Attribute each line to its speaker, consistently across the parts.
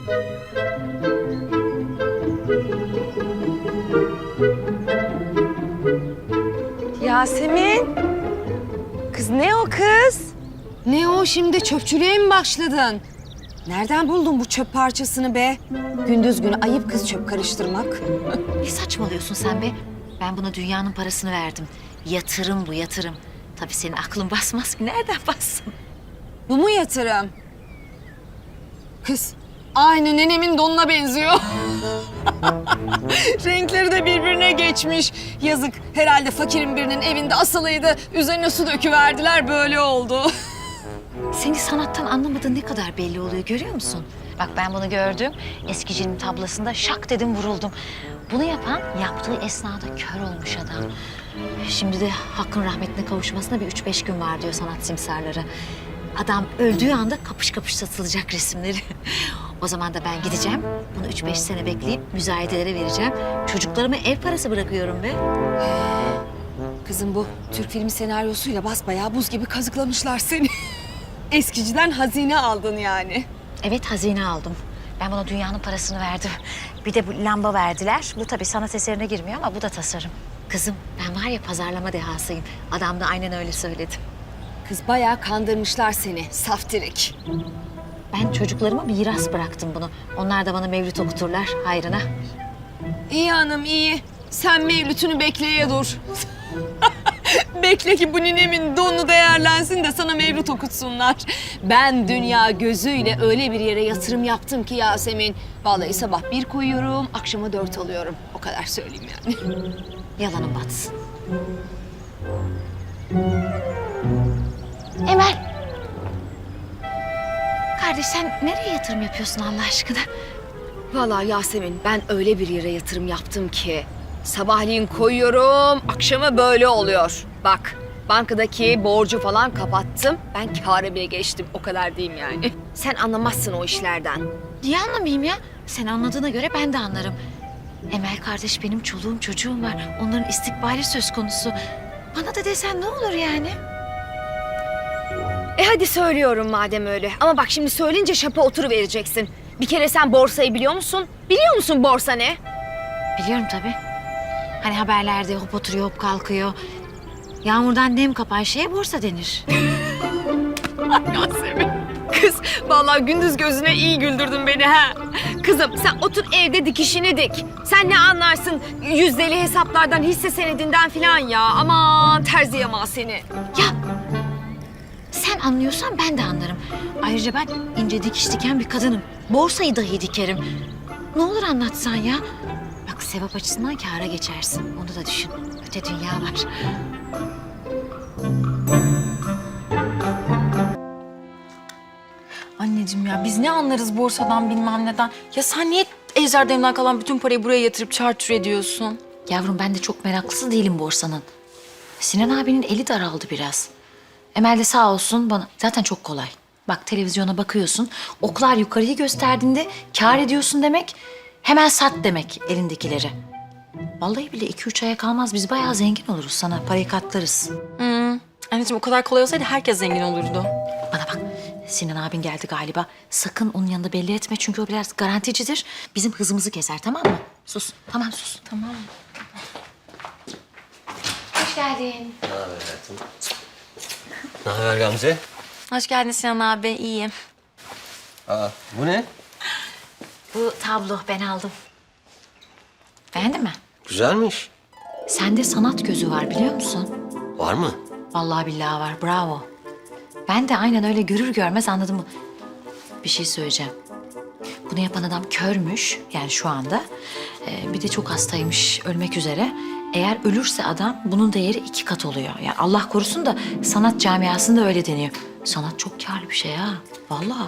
Speaker 1: Yasemin. Kız ne o kız? Ne o şimdi çöpçülüğe mi başladın? Nereden buldun bu çöp parçasını be? Gündüz günü ayıp kız çöp karıştırmak.
Speaker 2: Ne saçmalıyorsun sen be? Ben buna dünyanın parasını verdim. Yatırım bu, yatırım. Tabii senin aklın basmaz ki. Nereden bassın?
Speaker 1: Bu mu yatırım? Kız aynı nenemin donuna benziyor. Renkleri de birbirine geçmiş. Yazık, herhalde fakirin birinin evinde asılıydı. Üzerine su döküverdiler, böyle oldu.
Speaker 2: Seni sanattan anlamadığın ne kadar belli oluyor, görüyor musun? Bak ben bunu gördüm. Eskicinin tablasında şak dedim vuruldum. Bunu yapan yaptığı esnada kör olmuş adam. Şimdi de hakkın rahmetine kavuşmasına bir 3-5 gün var diyor sanat simsarları. Adam öldüğü anda kapış kapış satılacak resimleri. O zaman da ben gideceğim. Bunu 3-5 sene bekleyip müzayedelere vereceğim. Çocuklarıma ev parası bırakıyorum be.
Speaker 1: Kızım bu Türk filmi senaryosuyla basbayağı buz gibi kazıklamışlar seni. Eskiciden hazine aldın yani.
Speaker 2: Evet, hazine aldım. Ben buna dünyanın parasını verdim. Bir de bu lamba verdiler. Bu tabii sanat eserine girmiyor ama bu da tasarım. Kızım ben var ya pazarlama dehasıyım. Adam da aynen öyle söyledi.
Speaker 1: Kız bayağı kandırmışlar seni, saftirik.
Speaker 2: Ben çocuklarıma miras bıraktım bunu. Onlar da bana mevlüt okuturlar hayrına.
Speaker 1: İyi hanım iyi. Sen mevlütünü bekleye dur. Bekle ki bu ninemin donu değerlensin de sana mevlüt okutsunlar. Ben dünya gözüyle öyle bir yere yatırım yaptım ki Yasemin. Vallahi sabah 1 koyuyorum, akşama 4 alıyorum. O kadar söyleyeyim yani.
Speaker 2: Yalanın batsın. Emel. Kardeş sen nereye yatırım yapıyorsun Allah aşkına?
Speaker 1: Vallahi Yasemin ben öyle bir yere yatırım yaptım ki sabahleyin koyuyorum, akşama böyle oluyor. Bak, bankadaki borcu falan kapattım. Ben kâra bile geçtim. O kadar diyeyim yani. Sen anlamazsın o işlerden.
Speaker 2: Niye anlamayayım ya? Sen anladığına göre ben de anlarım. Emel kardeş benim çoluğum çocuğum var. Onların istikbali söz konusu. Bana da desen ne olur yani?
Speaker 1: Hadi söylüyorum madem öyle. Ama bak şimdi söyleyince şapa oturuvereceksin. Bir kere sen borsayı biliyor musun? Biliyor musun borsa ne?
Speaker 2: Biliyorum tabii. Hani haberlerde hop oturuyor hop kalkıyor. Yağmurdan nem kapan şeye borsa denir.
Speaker 1: Yasemin. Kız vallahi gündüz gözüne iyi güldürdün beni ha. Kızım sen otur evde dikişini dik. Sen ne anlarsın yüzdeli hesaplardan, hisse senedinden falan ya. Aman terzi yamağı seni.
Speaker 2: Ya sen anlıyorsan ben de anlarım. Ayrıca ben ince dikiş diken bir kadınım. Borsayı dahi dikerim. Ne olur anlatsan ya. Bak sevap açısından kâra geçersin. Onu da düşün. Öte dünya var.
Speaker 3: Anneciğim ya biz ne anlarız borsadan bilmem neden. Ya sen niye Ejder'den kalan bütün parayı buraya yatırıp çarçur ediyorsun?
Speaker 2: Yavrum ben de çok meraklısı değilim borsanın. Sinan abinin eli daraldı biraz. Emel de sağ olsun bana. Zaten çok kolay. Bak televizyona bakıyorsun. Oklar yukarıyı gösterdiğinde kâr ediyorsun demek. Hemen sat demek elindekileri. Vallahi bile 2-3 aya kalmaz. Biz bayağı zengin oluruz sana. Parayı katlarız.
Speaker 3: Anneciğim o kadar kolay olsaydı herkes zengin olurdu.
Speaker 2: Bana bak. Sinan abin geldi galiba. Sakın onun yanında belli etme. Çünkü o biraz garanticidir. Bizim hızımızı keser tamam mı? Sus. Tamam sus.
Speaker 3: Tamam.
Speaker 2: Hoş geldin.
Speaker 4: Ne haber hayatım? Ne haber Gamze?
Speaker 3: Hoş geldin Sinan abi, iyiyim.
Speaker 4: Aa, bu ne?
Speaker 2: Bu tablo ben aldım. Beğendin mi?
Speaker 4: Güzelmiş.
Speaker 2: Sende sanat gözü var biliyor musun?
Speaker 4: Var mı?
Speaker 2: Vallahi billahi var. Bravo. Ben de aynen öyle görür görmez anladım. Bir şey söyleyeceğim. Bunu yapan adam körmüş yani şu anda. Bir de çok hastaymış, ölmek üzere. Eğer ölürse adam bunun değeri 2 kat oluyor. Yani Allah korusun da sanat camiasında öyle deniyor. Sanat çok kârlı bir şey ha. Vallahi.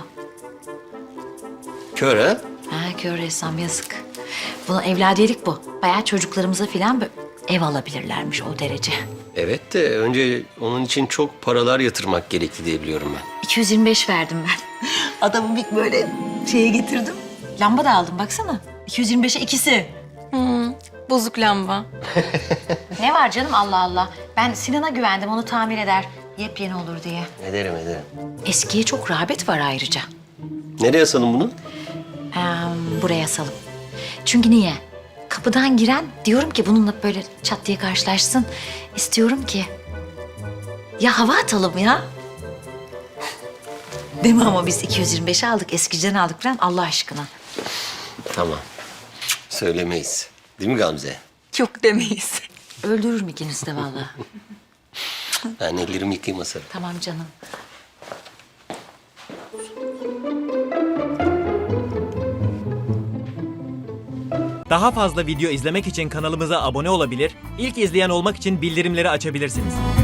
Speaker 4: Kör ha?
Speaker 2: Ha kör ressam yazık. Bunu evladiyelik bu. Bayağı çocuklarımıza falan ev alabilirlermiş o derece.
Speaker 4: Evet de önce onun için çok paralar yatırmak gerekli diye biliyorum ben.
Speaker 2: 225 verdim ben. Adamı bir böyle şeye getirdim. Lamba da aldım baksana. 225'e ikisi.
Speaker 3: Bozuk lamba.
Speaker 2: Ne var canım Allah Allah. Ben Sinan'a güvendim onu tamir eder. Yepyeni olur diye.
Speaker 4: Ederim.
Speaker 2: Eskiye çok rağbet var ayrıca.
Speaker 4: Nereye asalım bunu?
Speaker 2: Ha, buraya asalım. Çünkü niye? Kapıdan giren diyorum ki bununla böyle çat diye karşılaşsın. İstiyorum ki ya hava atalım ya. Değil mi ama biz 225'e aldık, eskiciden aldık falan Allah aşkına.
Speaker 4: Tamam. Söylemeyiz. Değil mi Gamze?
Speaker 3: Yok demeyiz.
Speaker 2: Öldürürüm ikinizi de vallahi.
Speaker 4: Ben ellerimi yıkayayım Masarım.
Speaker 2: Tamam canım.
Speaker 5: Daha fazla video izlemek için kanalımıza abone olabilir, ilk izleyen olmak için bildirimleri açabilirsiniz.